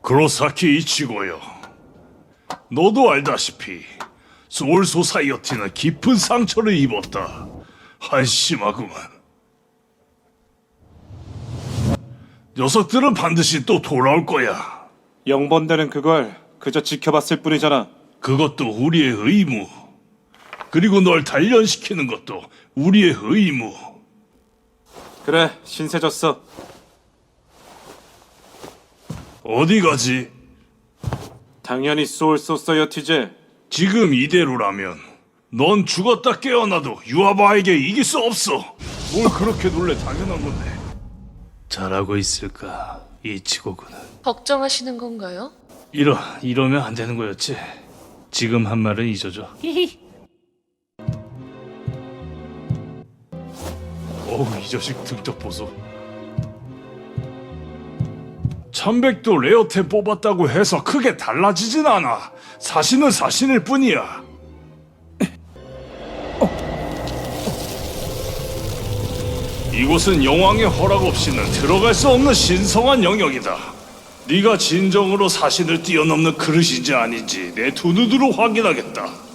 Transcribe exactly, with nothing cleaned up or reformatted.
그로사키 이치고요. 너도 알다시피 소울 소사이어티는 깊은 상처를 입었다. 한심하구만. 녀석들은 반드시 또 돌아올 거야. 영번대는 그걸 그저 지켜봤을 뿐이잖아. 그것도 우리의 의무. 그리고 널 단련시키는 것도 우리의 의무. 그래, 신세졌어. 어디 가지? 당연히 소울 소서이어티지. 지금 이대로라면 넌 죽었다 깨어나도 유아바에게 이길 수 없어. 뭘 그렇게 놀래. 당연한 건데. 잘하고 있을까, 이치고군은. 걱정하시는 건가요? 이러, 이러면 안 되는 거였지. 지금 한 말은 잊어줘. 어우, 이 자식 등짝 보소. 천백도 레어템 뽑았다고 해서 크게 달라지진 않아. 사신은 사신일 뿐이야. 이곳은 여왕의 허락 없이는 들어갈 수 없는 신성한 영역이다. 네가 진정으로 사신을 뛰어넘는 그릇인지 아닌지 내 두 눈으로 확인하겠다.